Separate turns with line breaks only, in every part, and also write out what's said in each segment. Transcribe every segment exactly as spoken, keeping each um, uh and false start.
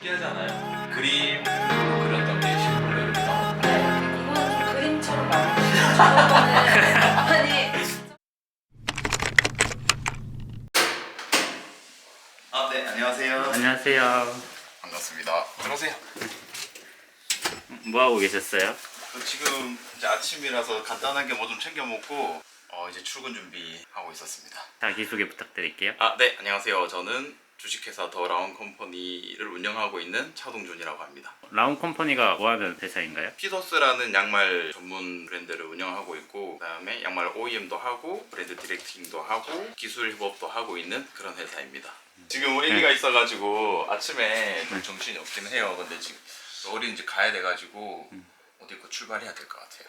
신기하잖아요. 그림 그렸던 게 실물로 이렇게 나오는
이거는 좀 그림처럼 나오는데 저런 거는 아니
아, 네, 안녕하세요.
안녕하세요.
반갑습니다. 들어오세요.
뭐 하고 계셨어요?
저 지금 이제 아침이라서 간단하게 뭐 좀 챙겨 먹고 어, 이제 출근 준비하고 있었습니다.
자기소개 부탁드릴게요.
아, 네, 안녕하세요. 저는 주식회사 더 라운 컴퍼니를 운영하고 있는 차동준이라고 합니다.
라운 컴퍼니가 뭐 하는 회사인가요?
피더스라는 양말 전문 브랜드를 운영하고 있고, 그다음에 양말 오이엠도 하고 브랜드 디렉팅도 하고 기술 협업도 하고 있는 그런 회사입니다. 지금 어린이가
네.
있어가지고 아침에 좀 정신이 없긴 해요. 근데 지금 어린이 집 가야 돼가지고 어디 거 출발해야 될 것 같아요.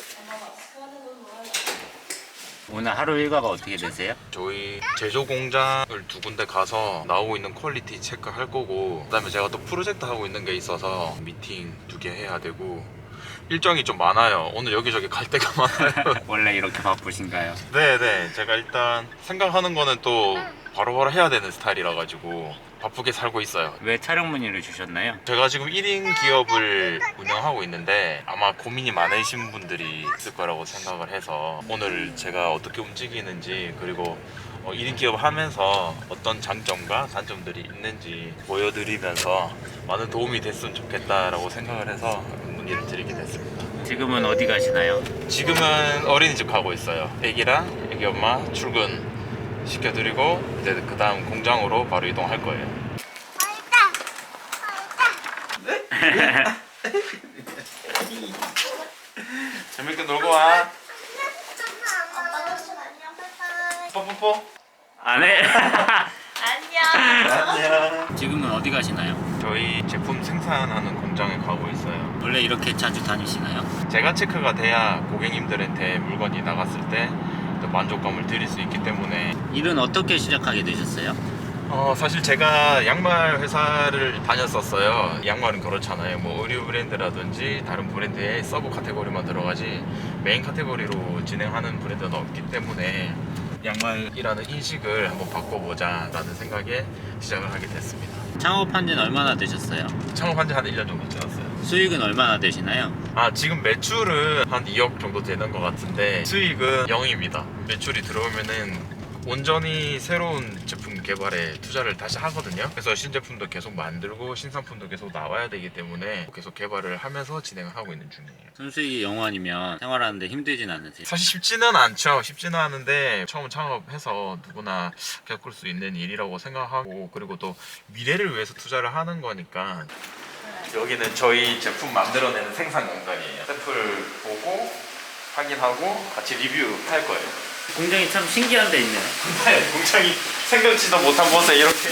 오늘 하루 일과가 어떻게 되세요?
저희 제조 공장을 두 군데 가서 나오고 있는 퀄리티 체크할 거고, 그다음에 제가 또 프로젝트 하고 있는 게 있어서 미팅 두 개 해야 되고 일정이 좀 많아요. 오늘 여기저기 갈 데가 많아요.
원래 이렇게 바쁘신가요?
네네, 제가 일단 생각하는 거는 또 바로바로 해야 되는 스타일이라 가지고 바쁘게 살고 있어요.
왜 촬영 문의를 주셨나요?
제가 지금 일 인 기업을 운영하고 있는데 아마 고민이 많으신 분들이 있을 거라고 생각을 해서 오늘 제가 어떻게 움직이는지, 그리고 어, 일 인 기업 하면서 어떤 장점과 단점들이 있는지 보여드리면서 많은 도움이 됐으면 좋겠다라고 생각을 해서 문의를 드리게 됐습니다.
지금은 어디 가시나요?
지금은 어린이집 가고 있어요. 애기랑 애기 엄마 출근 시켜드리고 이제 그 다음 공장으로 바로 이동할 거예요. 재밌게 놀고 와. 뽀뽀뽀.
안 해.
안녕.
안녕.
지금은 어디 가시나요?
저희 제품 생산하는 공장에 가고 있어요.
원래 이렇게 자주 다니시나요?
제가 체크가 돼야 고객님들한테 물건이 나갔을 때 또 만족감을 드릴 수 있기 때문에.
일은 어떻게 시작하게 되셨어요?
어 사실 제가 양말 회사를 다녔었어요. 양말은 그렇잖아요. 뭐 의류 브랜드라든지 다른 브랜드의 서브 카테고리만 들어가지 메인 카테고리로 진행하는 브랜드는 없기 때문에 양말이라는 인식을 한번 바꿔보자 라는 생각에 시작을 하게 됐습니다.
창업한 지는 얼마나 되셨어요?
창업한 지 한 일 년 정도 지났어요.
수익은 얼마나 되시나요?
아, 지금 매출은 한 이억 정도 되는 것 같은데 수익은 영입니다. 매출이 들어오면은 온전히 새로운 제품 개발에 투자를 다시 하거든요. 그래서 신제품도 계속 만들고 신상품도 계속 나와야 되기 때문에 계속 개발을 하면서 진행을 하고 있는 중이에요.
순수익이 영원이면 생활하는데 힘들진 않으세요?
사실 쉽지는 않죠. 쉽지는 않은데 처음 창업해서 누구나 겪을 수 있는 일이라고 생각하고, 그리고 또 미래를 위해서 투자를 하는 거니까. 여기는 저희 제품 만들어내는 생산 공간이에요. 샘플 보고 확인하고 같이 리뷰할 거예요.
공장이 참 신기한 데 있네요.
네, 공장이 생각지도 못한 곳에 이렇게.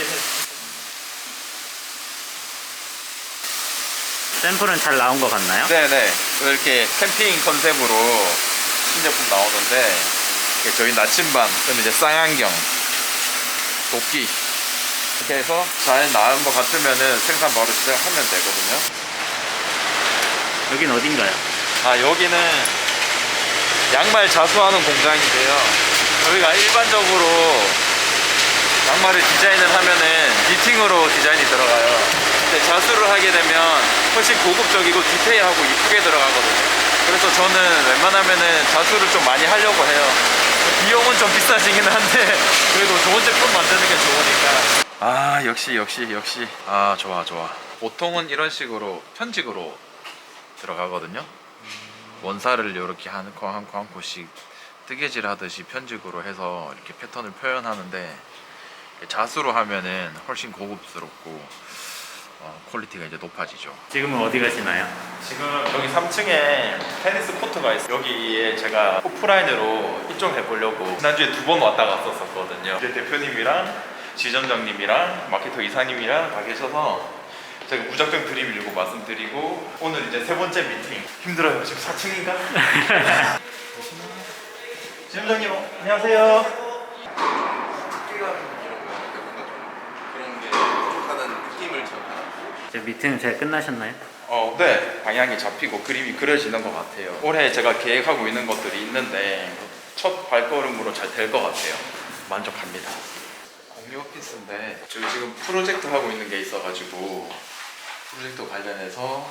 샘플은 잘 나온 것 같나요?
네네, 이렇게 캠핑 컨셉으로 신제품 나오는데, 이게 저희 나침반, 그다음에 이제 쌍안경, 도끼 이렇게 해서 잘 나온 것 같으면은 생산 바로 시작하면 되거든요.
여긴 어딘가요?
아, 여기는 양말 자수하는 공장인데요. 저희가 일반적으로 양말을 디자인을 하면은 니팅으로 디자인이 들어가요. 근데 자수를 하게 되면 훨씬 고급적이고 디테일하고 이쁘게 들어가거든요. 그래서 저는 웬만하면은 자수를 좀 많이 하려고 해요. 비용은 좀 비싸지긴 한데 그래도 좋은 제품 만드는 게 좋으니까. 아, 역시 역시 역시. 아, 좋아 좋아. 보통은 이런 식으로 편직으로 들어가거든요. 원사를 이렇게 한 코 한 코 한 코씩 뜨개질 하듯이 편직으로 해서 이렇게 패턴을 표현하는데, 자수로 하면은 훨씬 고급스럽고 어, 퀄리티가 이제 높아지죠.
지금은 어디 가시나요?
지금 여기 삼 층에 테니스 코트가 있어요. 여기에 제가 오프라인으로 입점해 보려고 지난주에 두 번 왔다 갔었거든요. 이제 대표님이랑 지점장님이랑 마케터 이사님이랑 다 계셔서 제가 무작정 드림 일고 말씀드리고, 오늘 이제 세 번째 미팅. 힘들어요. 지금 사 층인가? 지점장님 안녕하세요.
그런 게 부족하다는 느낌을 제가
제 미팅 잘 끝나셨나요?
어, 네. 방향이 잡히고 그림이 그려지는 것 같아요. 올해 제가 계획하고 있는 것들이 있는데 첫 발걸음으로 잘 될 것 같아요. 만족합니다. 공유 오피스인데 저희 지금 프로젝트 하고 있는 게 있어가지고 프로젝트 관련해서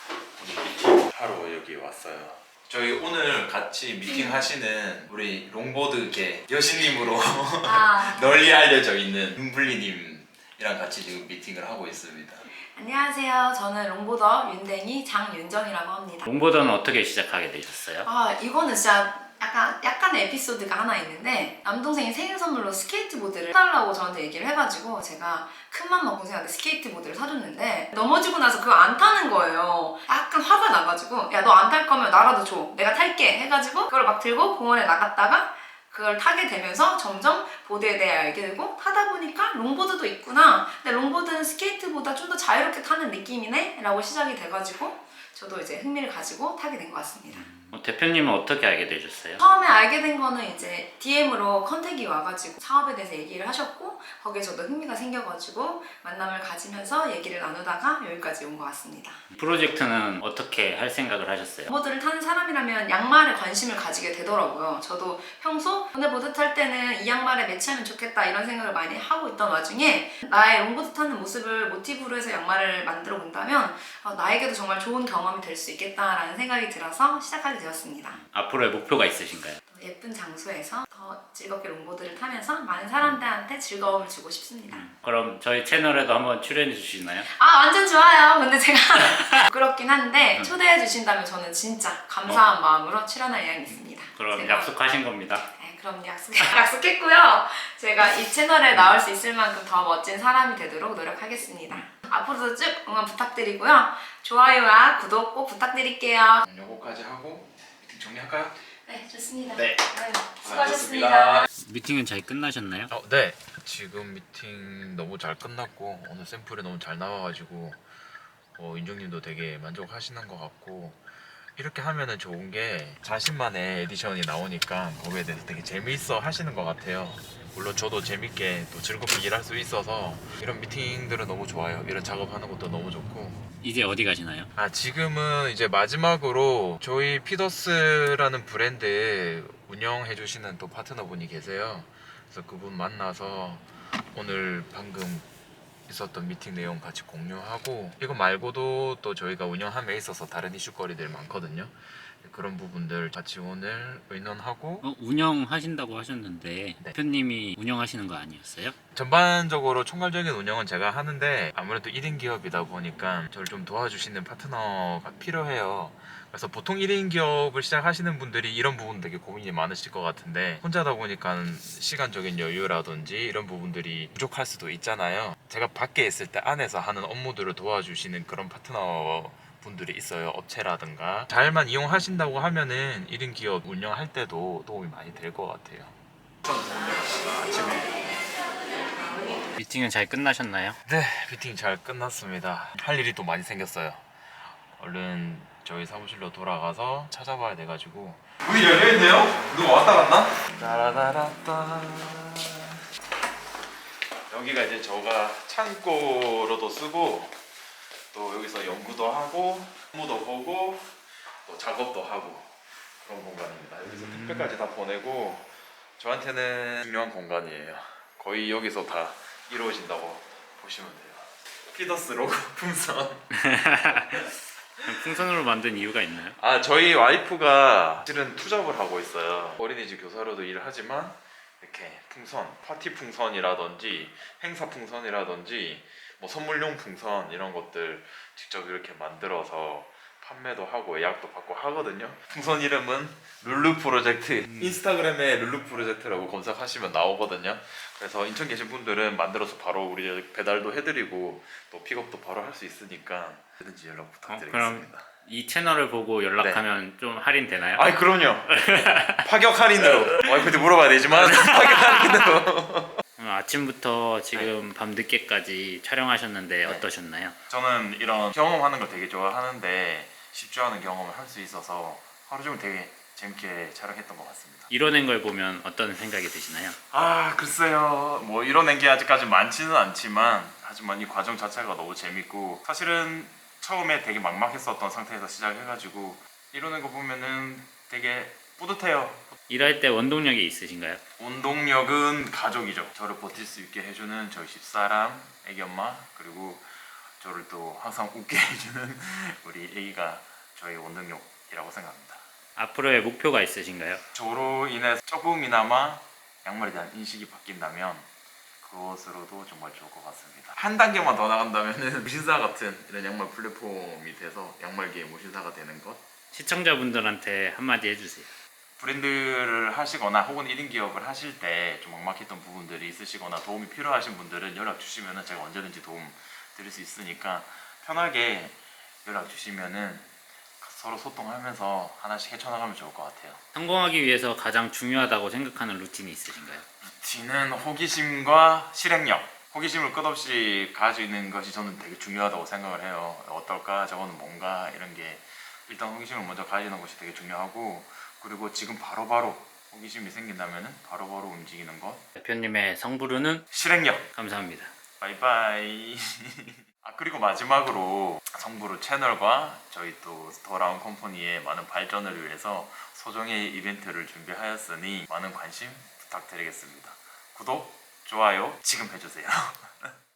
오늘 미팅 하러 여기 왔어요. 저희 오늘 같이 미팅 하시는 우리 롱보드계 여신님으로
아,
널리 알려져 있는 윤블리님이랑 같이 지금 미팅을 하고 있습니다.
안녕하세요. 저는 롱보더 윤댕이 장윤정이라고 합니다.
롱보드는 어떻게 시작하게 되셨어요?
아, 이거는 진짜 약간, 약간의 에피소드가 하나 있는데 남동생이 생일 선물로 스케이트보드를 사달라고 저한테 얘기를 해가지고 제가 큰맘 먹고 동생한테 스케이트보드를 사줬는데 넘어지고 나서 그거 안 타는 거예요. 약간 화가 나가지고 야, 너 안 탈 거면 나라도 줘. 내가 탈게 해가지고 그걸 막 들고 공원에 나갔다가 그걸 타게 되면서 점점 보드에 대해 알게 되고 타다 보니까 롱보드도 있구나. 근데 롱보드는 스케이트보다 좀 더 자유롭게 타는 느낌이네? 라고 시작이 돼가지고 저도 이제 흥미를 가지고 타게 된 것 같습니다.
어, 대표님은 어떻게 알게 되셨어요?
처음에 알게 된 거는 이제 디엠으로 컨택이 와가지고 사업에 대해서 얘기를 하셨고 거기에 저도 흥미가 생겨가지고 만남을 가지면서 얘기를 나누다가 여기까지 온 것 같습니다.
프로젝트는 어떻게 할 생각을 하셨어요?
보드를 타는 사람이라면 양말에 관심을 가지게 되더라고요. 저도 평소 오늘 보드 탈 때는 이 양말에 매치하면 좋겠다 이런 생각을 많이 하고 있던 와중에 나의 롱보드 타는 모습을 모티브로 해서 양말을 만들어 본다면 어, 나에게도 정말 좋은 경험이 될 수 있겠다라는 생각이 들어서 시작하게 되었습니다.
앞으로의 목표가 있으신가요?
예쁜 장소에서 더 즐겁게 롱보드를 타면서 많은 사람들한테 즐거움을 주고 싶습니다.
그럼 저희 채널에도 한번 출연해 주시나요?
아, 완전 좋아요. 근데 제가 부끄럽긴 한데 초대해 주신다면 저는 진짜 감사한 마음으로 출연할 의향이 있습니다.
그럼
제가-
약속하신 겁니다.
네, 그럼 약속, 약속했고요. 제가 이 채널에 나올 수 있을 만큼 더 멋진 사람이 되도록 노력하겠습니다. 앞으로도 쭉 응원 부탁드리고요. 좋아요와 구독 꼭 부탁드릴게요.
요거까지 하고 미팅 정리할까요?
네, 좋습니다.
네.
네,
수고하셨습니다.
수고하셨습니다.
미팅은 잘 끝나셨나요?
어, 네. 지금 미팅 너무 잘 끝났고 오늘 샘플이 너무 잘 나와가지고 어, 윤정님도 되게 만족하시는 것 같고 이렇게 하면은 좋은 게 자신만의 에디션이 나오니까 거기에 대해서 되게 재미있어 하시는 것 같아요. 물론 저도 재밌게 또 즐겁게 일할 수 있어서 이런 미팅들은 너무 좋아요. 이런 작업하는 것도 너무 좋고.
이제 어디 가시나요?
아, 지금은 이제 마지막으로 저희 피더스라는 브랜드 운영해 주시는 또 파트너분이 계세요. 그래서 그분 만나서 오늘 방금 있었던 미팅 내용 같이 공유하고 이거 말고도 또 저희가 운영함에 있어서 다른 이슈거리들 많거든요. 그런 부분들 같이 오늘 의논하고
어, 운영하신다고 하셨는데
네.
대표님이 운영하시는 거 아니었어요?
전반적으로 총괄적인 운영은 제가 하는데 아무래도 일 인 기업이다 보니까 저를 좀 도와주시는 파트너가 필요해요. 그래서 보통 일 인 기업을 시작하시는 분들이 이런 부분 되게 고민이 많으실 것 같은데 혼자다 보니까 시간적인 여유라든지 이런 부분들이 부족할 수도 있잖아요. 제가 밖에 있을 때 안에서 하는 업무들을 도와주시는 그런 파트너 분들이 있어요. 업체라든가 잘만 이용하신다고 하면은 일 인 기업 운영할 때도 도움이 많이 될 것 같아요.
미팅은 잘 끝나셨나요?
네, 미팅 잘 끝났습니다. 할 일이 또 많이 생겼어요. 얼른 저희 사무실로 돌아가서 찾아봐야 돼가지고. 문이 열려있네요? 누가 왔다 갔나? 따라라라따. 여기가 이제 저가 창고로도 쓰고 또 여기서 연구도 하고 업무도 보고 또 작업도 하고 그런 공간입니다. 여기서 택배까지 다 보내고 저한테는 중요한 공간이에요. 거의 여기서 다 이루어진다고 보시면 돼요. 피더스 로고 풍선.
풍선으로 만든 이유가 있나요?
아, 저희 와이프가 실은 투잡을 하고 있어요. 어린이집 교사로도 일을 하지만 이렇게 풍선, 파티 풍선이라든지 행사 풍선이라든지 뭐 선물용 풍선 이런 것들 직접 이렇게 만들어서 판매도 하고 예약도 받고 하거든요. 풍선 이름은 룰루 프로젝트. 인스타그램에 룰루 프로젝트라고 검색하시면 나오거든요. 그래서 인천 계신 분들은 만들어서 바로 우리 배달도 해드리고 또 픽업도 바로 할 수 있으니까 언제든지 연락
어,
부탁드리겠습니다.
그럼 이 채널을 보고 연락하면 좀 할인 되나요?
아이, 그럼요. 파격 할인으로. 와이프한테 물어봐야 되지만 파격 할인으로.
음, 아침부터 지금 밤 늦게까지 촬영하셨는데 어떠셨나요?
저는 이런 경험하는 걸 되게 좋아하는데 쉽지 않은 경험을 할 수 있어서 하루 종일 되게 재밌게 촬영했던 것 같습니다.
이뤄낸 걸 보면 어떤 생각이 드시나요?
아, 글쎄요. 뭐 이뤄낸 게 아직까지 많지는 않지만 하지만 이 과정 자체가 너무 재밌고 사실은 처음에 되게 막막했었던 상태에서 시작해가지고 이뤄낸 거 보면은 되게 뿌듯해요.
일할 때 원동력이 있으신가요?
원동력은 가족이죠. 저를 버틸 수 있게 해주는 저희 집사람, 애기 엄마, 그리고 저를 또 항상 웃게 해주는 우리 A가 저의 원동력이라고 생각합니다.
앞으로의 목표가 있으신가요?
저로 인해서 조금이나마 양말에 대한 인식이 바뀐다면 그것으로도 정말 좋을 것 같습니다. 한 단계만 더 나간다면 무신사 같은 이런 양말 플랫폼이 돼서 양말계의 무신사가 되는 것.
시청자분들한테 한마디 해주세요.
브랜드를 하시거나 혹은 일 인 기업을 하실 때 좀 막막했던 부분들이 있으시거나 도움이 필요하신 분들은 연락 주시면 제가 언제든지 도움 드릴 수 있으니까 편하게 연락 주시면은 서로 소통하면서 하나씩 헤쳐나가면 좋을 것 같아요.
성공하기 위해서 가장 중요하다고 생각하는 루틴이 있으신가요?
루틴은 호기심과 실행력. 호기심을 끝없이 가지고 있는 것이 저는 되게 중요하다고 생각을 해요. 어떨까? 저거는 뭔가? 이런 게 일단 호기심을 먼저 가지는 것이 되게 중요하고, 그리고 지금 바로바로 호기심이 생긴다면 바로바로 움직이는 것.
대표님의 성부르는
실행력.
감사합니다.
바이바이. 아, 그리고 마지막으로 성부르 채널과 저희 또 더라운 컴퍼니의 많은 발전을 위해서 소정의 이벤트를 준비하였으니 많은 관심 부탁드리겠습니다. 구독, 좋아요 지금 해주세요.